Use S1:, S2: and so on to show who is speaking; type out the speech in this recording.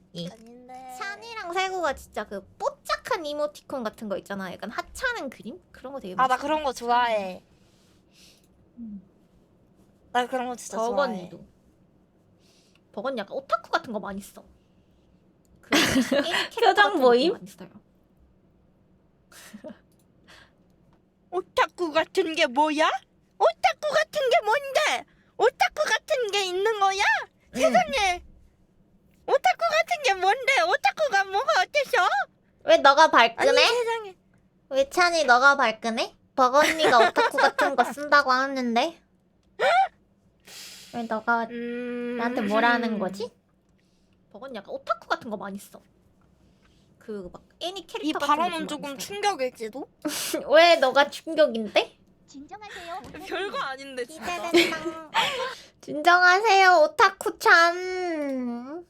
S1: 아닌데.
S2: 찬이랑 세구가 진짜 그 뽀짝한 이모티콘 같은 거 있잖아. 약간 하찮은 그림? 그런 거 되게
S1: 아, 나
S2: 멋있어.
S1: 그런 거 좋아해.
S2: 음.
S1: 나 그런 거 진짜 좋아해.
S2: 버건이도. 버건 약간 오타쿠 같은 거 많이 써. 그 애니 캐릭터
S3: 표정
S2: 같은
S3: 모임?
S2: 것도 많이 써요.
S1: 오타쿠 같은 게 뭐야? 오타쿠 같은 게 뭔데? 오타쿠 같은 게 있는 거야? 세상에. 오타쿠 같은 게 뭔데? 오타쿠가 뭐가 어때서?
S2: 왜 너가
S1: 아니
S2: 발끈해?
S1: 세상에.
S2: 왜 찬이 너가 발끈해? 버건이가 오타쿠 같은 거 쓴다고 하는데 왜 너가 나한테 뭐라 하는 거지? 버건 약간 오타쿠 같은 거 많이 써. 그 막 애니 캐릭터
S1: 이
S2: 같은
S1: 발언은
S2: 것도
S1: 조금
S2: 많이 써요.
S1: 충격일지도?
S2: 왜 너가 충격인데?
S4: 진정하세요.
S1: 별거 아닌데 진짜.
S2: 기대된다. 진정하세요 오타쿠 찬.